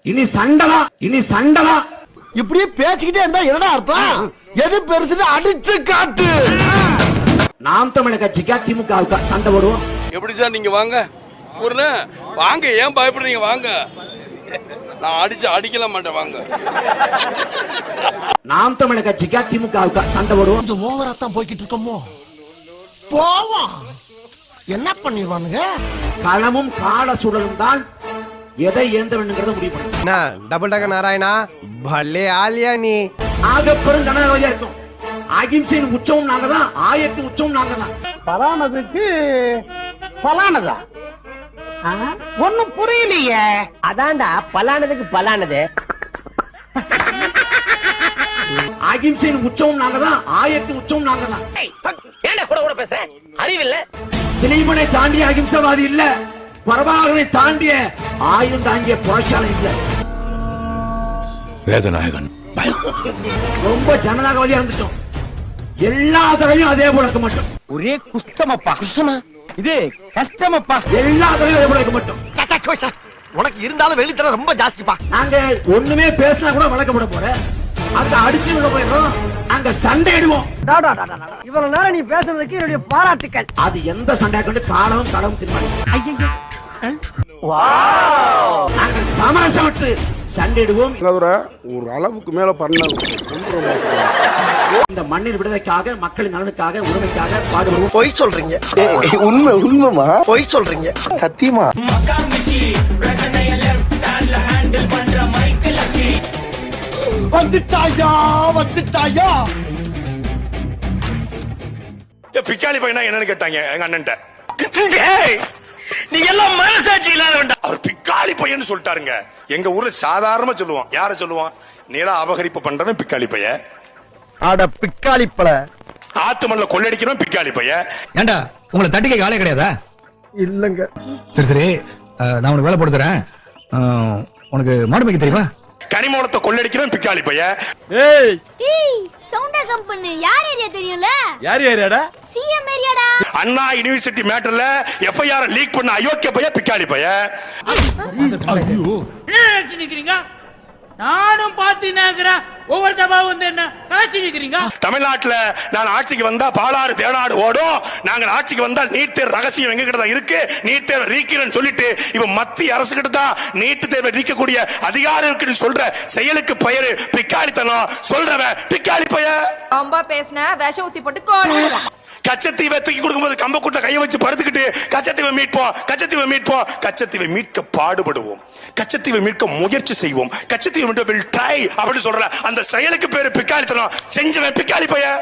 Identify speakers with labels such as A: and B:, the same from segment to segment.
A: இனி சண்டதான்.
B: இப்படியே பேசிக்கிட்டே இருந்தா என்ன அர்த்தம்? எது பெருசுன்னு அடிச்சு காட்டு.
A: நாம் தமிழர் கட்சிக்கா திமுகவுக்கா சண்டை போடுவோம்?
C: எப்படி சார் நீங்க வாங்க வாங்க, ஏன் பயப்படுறீங்க? வாங்க, நான் அடிக்கல மாட்டேன். வாங்க,
A: நாம் தமிழர் கட்சிக்கா திமுகவுக்கா சண்டை போடுவோம்?
B: கொஞ்சம் ஓவரா தான் போய்கிட்டு இருக்கோமோ. போவோம், என்ன பண்ணிடுவானுங்க?
A: களமும் கால சூழலும் தான் எதை இழந்த வேண்டுங்கிறத முடிவு பண்ணும்.
D: டபுள் டக்கர் நாராயணா பல்லே ஆலியா நீ
A: ஆக பெரும் ஜனநாயகவாதியா இருக்கும். அகிம்சையின் உச்சமும் நாங்க தான், ஆயத்தின் உச்சமும் நாங்க தான்.
E: பலானதுக்கு பலானதா ஒன்னும் புரியலையே.
F: அதான்டா பலானதுக்கு பலானது.
A: அகிம்சையின் உச்சமும் நாங்க தான், ஆயத்தின் உச்சமும் நாங்க தான்.
F: ஏன்டா கூட பேச அறிவில்ல?
A: திலீபனை தாண்டிய அகிம்சவாதி இல்ல, பிரபாகரனை தாண்டிய ஆயுதம் தாங்கிய புரட்சியாளர் இல்ல.
G: வேதநாயகன்
A: ரொம்ப ஜனநாயகவாதியா இருந்துட்டோம். எல்லா தடவையும் அதே போல இருக்க மாட்டோம்.
E: ஒரே குஷ்டமப்பா. குஷ்டமா? இது கஷ்டமப்பா.
A: எல்லா தடவையும் அதே போல இருக்க மாட்டோம்.
B: உனக்கு இருந்தாலும் வெளித்தர ரொம்ப ஜாஸ்திப்பா.
A: நாங்க ஒண்ணுமே பேசினா கூட வழக்கப்பட போற, அதுக்கு அடிச்சு உள்ள போயிடுறோம். நாங்க சண்டை இடுவோம்.
E: இவ்வளவு நேரம் நீ பேசுறதுக்கு என்னுடைய பாராட்டுக்கள்.
A: அது எந்த சண்டையை கொண்டு காலமும் களவும் தீர்மானிக்கும். நாங்கள் சமரசம் விட்டு சண்டையிடுவோம்.
H: ஒரு அளவுக்கு மேல பண்ண
A: இந்த மண்ணின் விடுதலைக்காக, மக்களின் நலனுக்காக, உரிமைக்காக பாடுபடுவோம்.
B: பொய் சொல்றீங்க. உண்மைமா பொய் சொல்றீங்க. சத்தியமா வந்துட்டாயா.
G: பிக்காளி பையனா என்னன்னு கேட்டாங்க எங்க அண்ணன்ட்ட.
F: நீ எல்லாம் மனசாட்சி இல்லாத
G: அவர் பிக்காளி பையன் சொல்லிட்டாருங்க. எங்க ஊர்ல சாதாரணமா சொல்லுவான். யார சொல்லுவான்? நில அபகரிப்பு பண்றவன் பிக்காளி பையன்.
B: அட பிக்காளி பழ.
G: ஆத்து மண்ணில் கொள்ளடிக்கிறவன் பிக்காளி பையன்.
I: ஏண்டா உங்களை தட்டிக்க ஆளே கிடையாதா?
B: இல்லங்க.
I: சரி நான் உனக்கு வேலை போட்டு தரேன். உனக்கு மாடு மேய்க்க தெரியுமா?
G: கனிமூலத்தை கொள்ளடிக்கிறவன் பிக்காளி பையன்.
J: ஏய் சவுண்டா கம்பெனி யார் ஏரியா தெரியும்ல?
H: யார் ஏரியாடா?
J: சிஎம் ஏரியாடா.
G: அண்ணா யுனிவர்சிட்டி மேட்டர்ல எஃப்ஐஆர் லீக் பண்ண அயோக்கிய பையன் பிக்காளி பையன்.
E: என்ன நினைச்சு நிக்கிறீங்க? நானும் பாத்தீங்கன்னா ஒவ்வொரு தபா வந்து என்ன காட்சி நிக்கிறீங்க?
G: தமிழ்நாட்டுல நான் ஆட்சிக்கு வந்தா பாலாறு தேனாடு ஓடும். நாங்கள் ஆட்சிக்கு வந்தால் நீட் தேர்வு ரகசியம் எங்க கிட்ட தான் இருக்கு. நீட் தேர்வு நீக்கிறேன்னு சொல்லிட்டு இவன் மத்திய அரசு கிட்ட தான் நீட் தேர்வை நீக்கக்கூடிய அதிகாரம் இருக்குன்னு சொல்ற செயலுக்கு பெயரு பிக்காளித்தனம். சொல்றவன் பிக்காளி பையன்.
J: ரொம்ப பேசின விஷ ஊசி போட்டு கோடு.
G: கச்சத்தீவை தூக்கி கொடுக்கும்போது கம்பக்கூட்ட கையை வச்சு படுத்துக்கிட்டு கச்சத்தீவை மீட்க பாடுபடுவோம். கச்சத்தீவை மீட்க முயற்சி செய்வோம். கச்சத்தீவை மீட்க will try அப்படின்னு சொல்ற அந்த செயலுக்கு பேரு பிக்காளித்தனம். செஞ்சவன் பிக்காளி பையன்.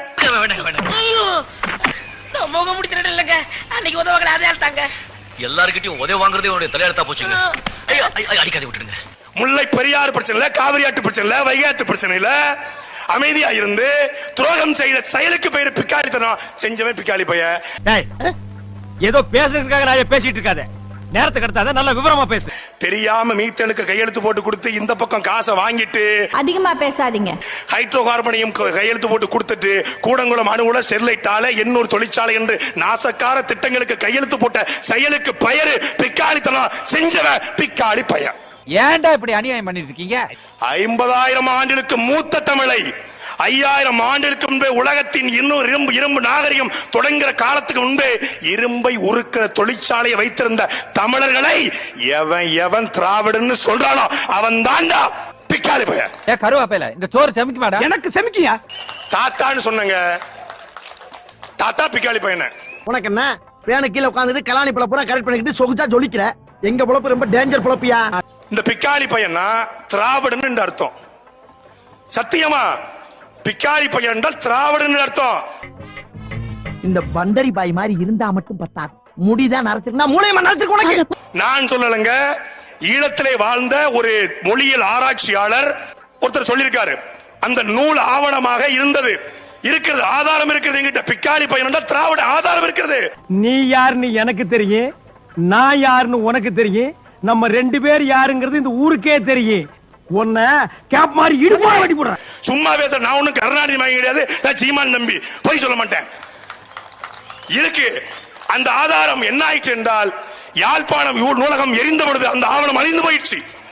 F: முக முடிச்சிட்டு இல்லங்க. அன்னைக்கு உதவங்களை அதே ஆள்தாங்க. எல்லார்கிட்டயும் உதவி வாங்குறதே உங்களுடைய தலையெழுத்தா போச்சுங்க. ஐயோ அடிக்காதே விட்டுடுங்க.
G: முல்லை பெரியாறு பிரச்சனை இல்ல, காவிரி ஆற்று பிரச்சனை இல்ல, வைகாத்து பிரச்சனை இல்ல. அமைதியா இருந்து துரோகம் செய்த செயலுக்கு பெயர் பிக்காளித்தனம். செஞ்சவன் பிக்காளி பையன்.
E: ஏதோ பேசுறதுக்காக நான் பேசிட்டு இருக்காத. நேரத்துக்கு எடுத்தாத நல்ல விவரமா பேசு.
G: தெரியாம மீத்தனுக்கு கையெழுத்து போட்டு கொடுத்து இந்த பக்கம் காசை வாங்கிட்டு
J: அதிகமா பேசாதீங்க.
G: ஹைட்ரோ கார்பனையும் கையெழுத்து போட்டு கொடுத்துட்டு கூடங்குளம் அணுகுல ஸ்டெர்லைட் ஆலை எண்ணூர் தொழிற்சாலை என்று நாசக்கார திட்டங்களுக்கு கையெழுத்து போட்ட செயலுக்கு பெயரு பிக்காளித்தனம். செஞ்சவன் பிக்காளி பையன்.
E: ஏன்டா இப்படி அநியாயம் பண்ணிட்டு இருக்கீங்க?
G: 50,000 ஆண்டுகளுக்கு மூத்த தமிழை 5000 ஆண்டுகளுக்கு முன்பே உலகத்தின் இன்னொரு இரும்பு நாகரிகம் தொடங்குற காலத்துக்கு முன்பே இரும்பை உருக்கிற தொழிற்சாலையை வைத்திருந்த தமிழர்களை எவன் திராவிடன்னு சொல்றானோ அவன் தாண்டா பிக்காளி பையன்.
E: கருவாப்பையில இந்த சோறு செமிக்க மாட்டா. எனக்கு செமிக்கியா?
G: தாத்தான்னு சொன்னங்க. தாத்தா பிக்காளி பையன்.
B: உனக்கு என்ன பேனு கீழே உட்கார்ந்து கலாணி பழப்புற கரெக்ட் பண்ணிக்கிட்டு சொகுச்சா ஜொலிக்கிற. எங்க பொழப்பு ரொம்ப டேஞ்சர் பொழப்பியா.
G: இந்த பிக்காளி பையனா திராவிடன் அர்த்தம். சத்தியமா பிக்காளி பையன் என்றால் திராவிடன் அர்த்தம்.
B: இந்த பண்டரி பாய் மாதிரி இருந்தா மட்டும் பத்தாது. முடிதான் நரத்துக்குனா மூளையமா நரத்துக்கு உனக்கு. நான்
G: சொல்லலங்க. ஈழத்திலே வாழ்ந்த ஒரு மொழியியல் ஆராய்ச்சியாளர் ஒருத்தர் சொல்லியிருக்காரு. அந்த நூல் ஆவணமாக இருக்கிறது, ஆதாரம் இருக்கிறது. என்கிட்ட பிக்காளி பையன் என்றால் திராவிட ஆதாரம் இருக்கிறது.
E: நீ யாருன்னு எனக்கு தெரியும், நான் யாருன்னு உனக்கு தெரியும். நம்ம ரெண்டு பேர் யாருங்கிறது இந்த ஊருக்கே தெரியும். உன்ன கேப் மாதிரி இடுப்பா வெட்டி போடுறேன்.
G: சும்மா பேச. நான் ஒண்ணும் கருணாநிதி மாதிரி கிடையாது. நான் சீமான் நம்பி போய் சொல்ல மாட்டேன். இருக்கு அந்த ஆதாரம். என்ன ஆயிடுச்சு என்றால் யாழ்ப்பாணம் நூலகம் எரிந்த பொழுது அந்த ஆவணம் அழிந்து போயிடுச்சு.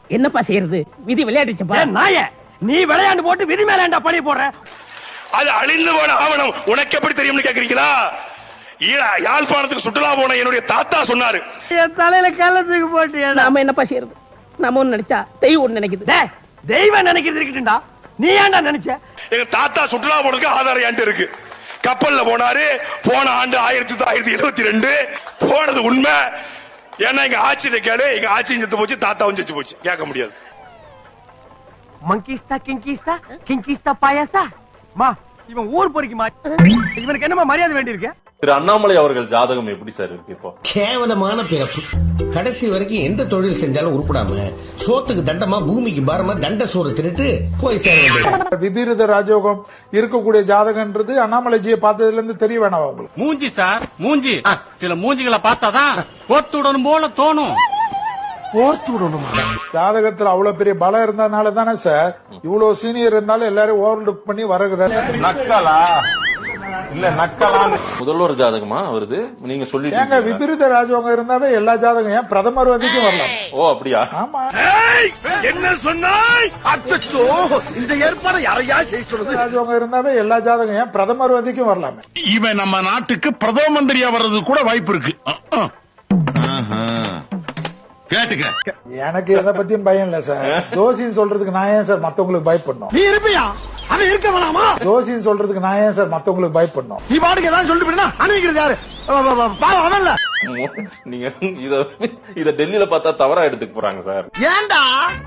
B: என்னப்பா செய்யறது விதி விளையாடுச்சுப்பா
E: நாய நீ விளையாண்டு போட்டு விதி மேலாண்டா பழி போடுற.
G: அது அழிந்து போன ஆவணம் உனக்கு எப்படி தெரியும்னு கேக்குறீங்களா? யாழ்ப்பாணத்துக்கு சுற்றுலா போன என்னுடைய தாத்தா சொன்னாரு.
E: என் தலையில கள்ளத்துக்கு போட்டு
B: நாம என்னப்பா செய்யறது? நாம ஒண்ணு நினைச்சா தெய்வம் ஒண்ணு நினைக்குது.
E: தெய்வம் நினைக்கிறது இருக்கட்டும்டா, நீ ஏன்டா நினைச்ச?
G: எங்க தாத்தா சுற்றுலா போனதுக்கு ஆதாரம் என்கிட்ட இருக்கு. கப்பல்ல போனாரு. போன ஆண்டு 1972 போனது உண்மை. ஏன்னா எங்க ஆட்சியை கேளு, எங்க ஆட்சியும் செத்து போச்சு, தாத்தாவும் செத்து போச்சு. கேட்க முடியாது.
E: மங்கிஸ்தா கிங்கிஸ்தா கிங்கிஸ்தா பாயாசா மா, இவன் ஊர் பொறிக்குமா? இவனுக்கு என்னமா மரியாதை வேண்டி இருக்கு?
K: திரு அண்ணாமலை அவர்கள் ஜாதகம் எப்படி சார் இருக்கு? இப்போ
L: கேவலமான பிறப்பு. கடைசி வரைக்கும் எந்த தொழில் செஞ்சாலும் உருப்படாம சோத்துக்கு தண்டமா பூமிக்கு பாரமா தண்ட சோறு தின்னுட்டு போய் சேர வேண்டியது.
H: விபரீத ராஜயோகம் இருக்கக்கூடிய ஜாதகன்றது அண்ணாமலைஜியை பார்த்ததுல இருந்து தெரிய வேணாம் உங்களுக்கு.
E: மூஞ்சி சார், மூஞ்சி. சில மூஞ்சிகளை பார்த்தாதான் போத்துடணும் போல தோணும். போர்த்து விடணுமா?
H: ஜாதகத்துல அவ்வளவு பெரிய பலம் இருந்ததுனால தானே சார் இவ்வளவு சீனியர் இருந்தாலும் எல்லாரும் ஓவர் லுக் பண்ணி வரகுறாரு. நக்கலா இல்ல நக்கலா?
K: முதல்வர் ஜாதகமா வருது நீங்க சொல்லிட்டு
H: ஏங்க விபரீத ராஜயோகம் இருந்தாவே எல்லா ஜாதகம் ஏன் பிரதமர் வந்திக்கும் வரலாம்.
K: ஓ அப்படியா?
H: ஆமா.
G: என்ன சொன்னாய்? அச்சோ, இந்த ஏற்பாடு யாரையா செய்ய சொல்லுது?
H: ராஜயோகம் இருந்தாவே எல்லா ஜாதகம் ஏன் பிரதமர் வந்திக்கும் வரலாம்.
G: இவன் நம்ம நாட்டுக்கு பிரதம மந்திரியா வர்றது கூட வாய்ப்பு இருக்கு. கேட்டுக்க.
H: எனக்கு எதை பத்தியும் பயம் இல்ல சார். ஜோசின்னு சொல்றதுக்கு நான் ஏன் சார் மத்தவங்களுக்கு பயப்படணும்?
E: நீ இருப்பியா? அது இருக்க வேணாமா?
H: ஜோசின்னு சொல்றதுக்கு நான் ஏன் சார் மத்தவங்களுக்கு பயப்படணும்?
E: நீ பாட்டுக்கு ஏதாவது சொல்லிட்டு போயினா அனுப்பிக்கிறது யாரு? அவன்ல
K: நீங்க இத டெல்லியில பார்த்தா தவறா எடுத்துக்க போறாங்க சார்.
E: ஏன்டா?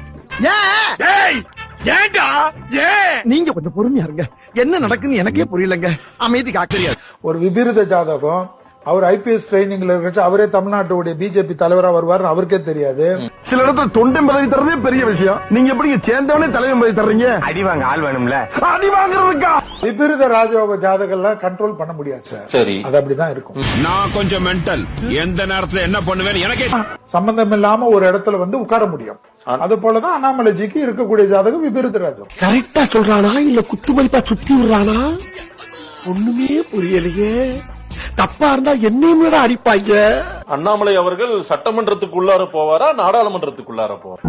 E: ஏன்டா? நீங்க கொஞ்சம் பொறுமையா இருங்க. என்ன நடக்குன்னு எனக்கே புரியலங்க. அமைதி காக்கறியா?
H: ஒரு விபரீத ஜாதகம் அவர் ஐபிஎஸ் ட்ரைனிங்ல இருக்க அவரே தமிழ்நாட்டுடைய பிஜேபி தலைவரா வருவார் அவருக்கே தெரியாது.
E: சில இடத்துல தொண்டை பதவி தரதே பெரிய விஷயம். நீங்க எப்படி சேர்ந்தவனே தலைவர் பதவி தர்றீங்க? அடி வாங்க ஆள் வேணும்ல. அடி வாங்குறதுக்கா?
H: விபரீத ராஜயோக ஜாதகம்லாம் கண்ட்ரோல் பண்ண முடியாது சார்.
K: சரி,
H: அது அப்படிதான் இருக்கும்.
G: நான் கொஞ்சம் மென்டல். எந்த நேரத்துல என்ன பண்ணுவேன்னு எனக்கே
H: சம்பந்தம் இல்லாம ஒரு இடத்துல வந்து உட்கார முடியும். அது போலதான் அண்ணாமலைஜிக்கு இருக்கக்கூடிய ஜாதகம் விபரீத ராஜயோகம்.
E: கரெக்டா சொல்றானா இல்ல குத்து மதிப்பா சுத்தி விடுறானா? ஒண்ணுமே புரியலையே. தப்பா இருந்தா என்னையும் அடிப்பாங்க.
K: அண்ணாமலை அவர்கள் சட்டமன்றத்துக்குள்ளார போவாரா நாடாளுமன்றத்துக்குள்ளார போவாரா?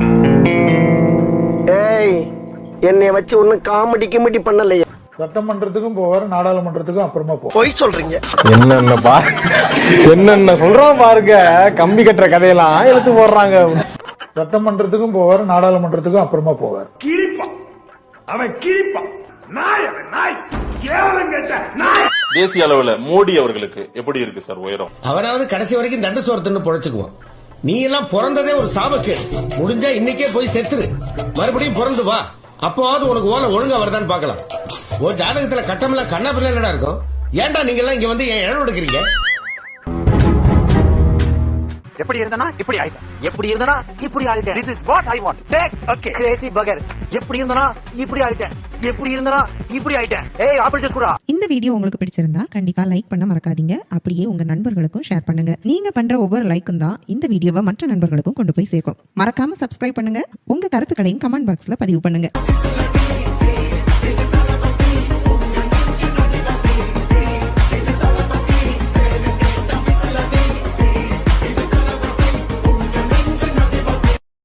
B: ஏய், என்னைய வச்சு ஒண்ணும் காமெடி கிமெடி பண்ணலையே.
H: சட்டமன்றத்துக்கும் போவாரு நாடாளுமன்றத்துக்கும் அப்புறமா போவார்.
B: போய் சொல்றீங்க.
D: என்னென்ன சொல்றோம் பாருங்க. கம்பி கட்டுற கதையெல்லாம் எடுத்து போடுறாங்க.
H: சட்டமன்றத்துக்கும் போவாரு நாடாளுமன்றத்துக்கும் அப்புறமா போவார்.
G: கிழிப்பான். அவன் கிழிப்பான். நாய் நாய் கேவலம் கேட்ட நாய்.
K: தேசிய அளவுல மோடி அவர்களுக்கு எப்படி இருக்கு சார் உயரம்?
L: அவனாவது கடைசி வரைக்கும் தண்ட சோறு தின்னு பொழைச்சுக்குவான். நீ எல்லாம் பிறந்ததே ஒரு சாபக்கேடு. முடிஞ்சா இன்னைக்கே போய் செத்துரு. மறுபடியும் பிறந்து வா. அப்போவாவது உனக்கு ஓலை ஒழுங்கா வருதான்னு பாக்கலாம். ஒரு ஜாதகத்துல கட்டமெல்லாம் கண்ணா பிள்ளை இருக்கும். ஏன்டா நீங்க எல்லாம் இங்க வந்து என் இடம் எடுக்கிறீங்க?
F: எப்படி இருந்தனா இப்படி ஆயிட்டேன். எப்படி இருந்தனா இப்படி ஆயிட்டேன். This is what I want. Take okay. Crazy burger. எப்படி இருந்தனா இப்படி ஆயிட்டேன். எப்படி இருந்தனா இப்படி ஆயிட்டேன். ஏய் ஆப்பிள் ஜூஸ் குடா.
M: இந்த வீடியோ உங்களுக்கு பிடிச்சிருந்தா கண்டிப்பா லைக் பண்ண மறக்காதீங்க. அப்படியே உங்க நண்பர்களுக்கும் ஷேர் பண்ணுங்க. நீங்க பண்ற ஒவ்வொரு லைக்கும் தான் இந்த வீடியோவை மற்ற நண்பர்களுக்கும் கொண்டு போய் சேர்க்கும். மறக்காம சப்ஸ்கிரைப் பண்ணுங்க. உங்க கருத்துக்களையும் கமெண்ட் பாக்ஸ்ல பதிவு பண்ணுங்க.